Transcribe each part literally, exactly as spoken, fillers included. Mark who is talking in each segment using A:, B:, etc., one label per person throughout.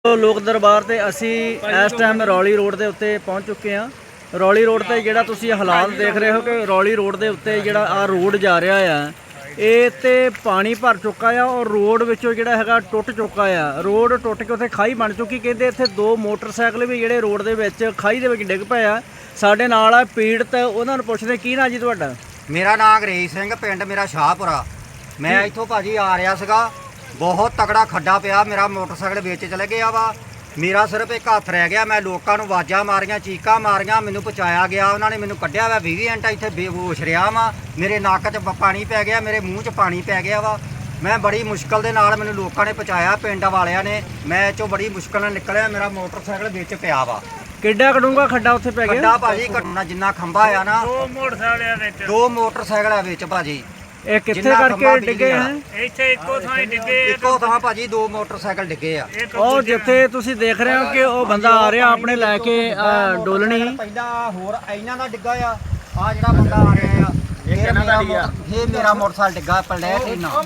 A: लोक दरबार ते असी इस टाइम रौली रोड के उत्ते पहुँच चुके हैं। रौली रोड ते जिहड़ा तुसी हालात देख रहे हो कि रौली रोड के उत्ते जिहड़ा आ रोड जा रहा है ये ते पानी भर चुका है और रोड विचों जिहड़ा हैगा टुट चुका है। रोड टुट के उत्थे खाई बन चुकी, कहते इत्थे दो मोटरसाइकिल भी जिहड़े रोड दे विच खाई दे विच डिग पए आ। साडे नाल आ पीड़त, उन्हां नूं पुछदे की नाम जी तुहाडा?
B: मेरा नाम अंग्रेज सिंह, पिंड मेरा शाहपुरा। मैं इत्थों भाजी आ रहा सीगा, बहुत तगड़ा खड्डा पिया, मेरा मोटरसाइकिल विच चले गया वा। मेरा सिर्फ एक हत्थ रह गया। मैं लोगों को आवाज़ां मारियां, चीकां मारियां, मैनू पहुँचाया गया। उन्होंने मैनू कढ़िया वा, बीस घंटा इत्थे बेहोश रहा वा। मेरे नक्क च पानी पै गया, मेरे मूँह च पानी पै गया वा। मैं बड़ी मुश्किल दे नाल मैनू लोगों ने पहुँचाया, पिंड वालियां ने। मैं चो बड़ी मुश्किल नाल निकलिया, मेरा मोटरसाइकिल विच पिया वा।
A: किड्डा कड़ूंगा खड्डा उत्थे पै गया?
B: खड्डा भाजी घटना जिन्ना खंभा आ ना, दो मोटरसाइकिल दो मोटरसाइकिल विच भाजी।
A: ਇਹ ਕਿੱਥੇ ਕਰਕੇ ਡਿੱਗੇ ਹੈ?
C: ਇੱਥੇ ਇੱਕੋ ਥਾਂ ਹੀ ਡਿੱਗੇ,
B: ਇੱਕੋ ਥਾਂ ਭਾਜੀ ਦੋ ਮੋਟਰਸਾਈਕਲ ਡਿੱਗੇ ਆ।
A: ਉਹ ਜਿੱਥੇ ਤੁਸੀਂ ਦੇਖ ਰਹੇ ਹੋ ਕਿ ਉਹ ਬੰਦਾ ਆ ਰਿਹਾ ਆਪਣੇ ਲੈ ਕੇ ਡੋਲਣੀ।
B: ਪਹਿਲਾਂ ਹੋਰ ਇਹਨਾਂ ਦਾ ਡਿੱਗਾ ਆ, ਆ ਜਿਹੜਾ ਬੰਦਾ ਆ ਰਿਹਾ ਆ ਇਹ ਇਹਨਾਂ ਦਾ ਡਿੱਗਾ, ਇਹ ਮੇਰਾ ਮੋਟਰਸਾਈਕਲ ਡਿੱਗਾ ਪਲੈਟ ਇਹਨਾਂ।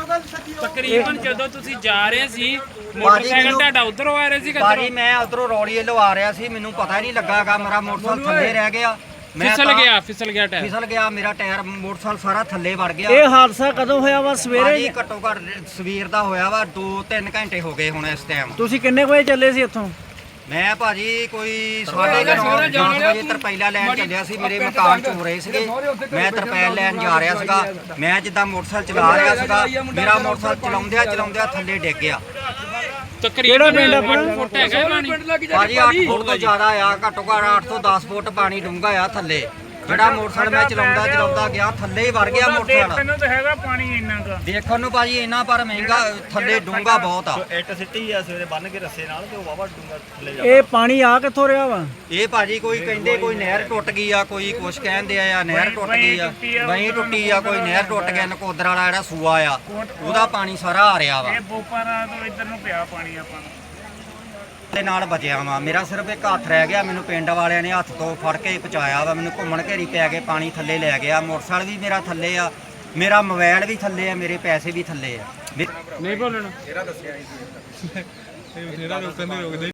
C: ਤਕਰੀਬਨ ਜਦੋਂ ਤੁਸੀਂ ਜਾ ਰਹੇ ਸੀ ਮੋਟਰਸਾਈਕਲ ਤੁਹਾਡਾ ਉਧਰੋਂ ਆ ਰਿਹਾ ਸੀ?
B: ਭਾਜੀ ਮੈਂ ਉਧਰੋਂ ਰੌਲੀ ਵੱਲੋਂ ਆ ਰਿਹਾ ਸੀ, ਮੈਨੂੰ ਪਤਾ ਹੀ ਨਹੀਂ ਲੱਗਾਗਾ ਮੇਰਾ ਮੋਟਰਸਾਈਕਲ ਥੱਲੇ ਰਹਿ ਗਿਆ।
C: ਫਿਸਲ ਗਿਆ ਫਿਸਲ ਗਿਆ ਟਾਇਰ
B: ਫਿਸਲ ਗਿਆ ਮੇਰਾ ਟਾਇਰ, ਮੋਟਰਸਾਈਕਲ ਸਾਰਾ ਥੱਲੇ ਵੜ ਗਿਆ।
A: ਇਹ ਹਾਦਸਾ ਕਦੋਂ ਹੋਇਆ ਵਾ? ਸਵੇਰੇ?
B: ਘੱਟੋ ਘੱਟ ਸਵੇਰ ਦਾ ਹੋਇਆ ਵਾ, ਦੋ ਤਿੰਨ ਘੰਟੇ ਹੋ ਗਏ ਹੁਣ ਇਸ ਟਾਈਮ।
A: ਤੁਸੀਂ ਕਿੰਨੇ ਵਜੇ ਚੱਲੇ ਸੀ ਇੱਥੋਂ?
B: ਮੈਂ ਭਾਜੀ ਕੋਈ ਸਾਢੇ ਕੁ ਨੌ ਦਸ ਵਜੇ ਤਰਪੈਲਾ ਲੈਣ ਚੱਲਿਆ ਸੀ। ਮੇਰੇ ਮਕਾਨ ਚ ਹੋ ਰਹੇ ਸੀਗੇ, ਮੈਂ ਤਰਪੈਲ ਲੈਣ ਜਾ ਰਿਹਾ ਸੀਗਾ। ਮੈਂ ਜਿੱਦਾਂ ਮੋਟਰਸਾਈਕਲ ਚਲਾ ਰਿਹਾ ਸੀਗਾ, ਮੇਰਾ ਮੋਟਰਸਾਈਕਲ ਚਲਾਉਂਦਿਆਂ ਚਲਾਉਂਦਿਆਂ ਥੱਲੇ ਡਿੱਗ ਗਿਆ।
A: ਕਿਹੜਾ ਪਿੰਡ ਆਪਣਾ?
C: ਫੁੱਟ ਹੈਗਾ ਪਾਣੀ
B: ਭਾਜੀ ਅੱਠ ਫੁੱਟ ਤੋਂ ਜ਼ਿਆਦਾ ਆ, ਘੱਟੋ ਘੱਟ ਅੱਠ ਤੋਂ ਦਸ ਫੁੱਟ ਪਾਣੀ ਡੂੰਘਾ ਆ ਥੱਲੇ। ਜਿਹੜਾ ਮੋਟਰਸਾਈਕਲ ਮੈਂ ਚਲਾਉਂਦਾ ਚਲਾਉਂਦਾ ਗਿਆ ਥੱਲੇ ਹੀ ਵੜ ਗਿਆ ਮੋਟਰਸਾਈਕਲ।
C: ਦੇਖਣ ਨੂੰ ਤਾਂ ਹੈਗਾ ਪਾਣੀ ਇੰਨਾ ਕੁ,
B: ਦੇਖਣ ਨੂੰ ਭਾਜੀ ਇੰਨਾ, ਪਰ ਮਹਿੰਗਾ ਥੱਲੇ ਡੂੰਘਾ ਬਹੁਤ ਆ।
D: ਇੱਟ ਸਿੱਟੀ ਆ ਸਵੇਰੇ ਬੰਨ ਕੇ ਰੱਸੇ ਨਾਲ ਤੇ ਉਹ ਵਾਵਾ ਡੂੰਗਾ ਥੱਲੇ ਜਾ।
A: ਇਹ ਪਾਣੀ ਆ ਕਿੱਥੋਂ ਰਿਹਾ ਵਾ?
B: ਇਹ ਭਾਜੀ ਕੋਈ ਕਹਿੰਦੇ ਕੋਈ ਨਹਿਰ ਟੁੱਟ ਗਈ ਆ, ਕੋਈ ਕੁਛ ਕਹਿੰਦੇ ਆ ਨਹਿਰ ਟੁੱਟ ਗਈ ਆ, ਵਹੀਂ ਟੁੱਟੀ ਆ, ਕੋਈ ਨਹਿਰ ਟੁੱਟ ਗਿਆ। ਨਕੋਦਰ ਵਾਲਾ ਜਿਹੜਾ ਸੂਆ ਆ ਉਹਦਾ ਪਾਣੀ ਸਾਰਾ ਆ ਰਿਹਾ ਵਾ।
C: ਇਹ ਬੋਪਾਰਾ ਤੋਂ ਇੱਧਰ ਨੂੰ ਪਿਆ ਪਾਣੀ ਆਪਾਂ ਨੂੰ
B: ਦੇ ਨਾਲ ਬਚਿਆ ਵਾ। ਮੇਰਾ ਸਿਰਫ ਇੱਕ ਹੱਥ ਰਹਿ ਗਿਆ, ਮੈਨੂੰ ਪਿੰਡ ਵਾਲਿਆਂ ਨੇ ਹੱਥ ਤੋਂ ਫੜ ਕੇ ਪਹੁੰਚਾਇਆ ਵਾ। ਮੈਨੂੰ ਘੁੰਮਣ ਘੇਰੀ ਪੈ ਕੇ ਪਾਣੀ ਥੱਲੇ ਲੈ ਗਿਆ। ਮੋਟਰਸਾਈਕਲ ਵੀ ਮੇਰਾ ਥੱਲੇ ਆ, ਮੇਰਾ ਮੋਬਾਈਲ ਵੀ ਥੱਲੇ ਆ, ਮੇਰੇ ਪੈਸੇ ਵੀ ਥੱਲੇ ਆ।
C: ਨਹੀਂ ਬੋਲਣਾ।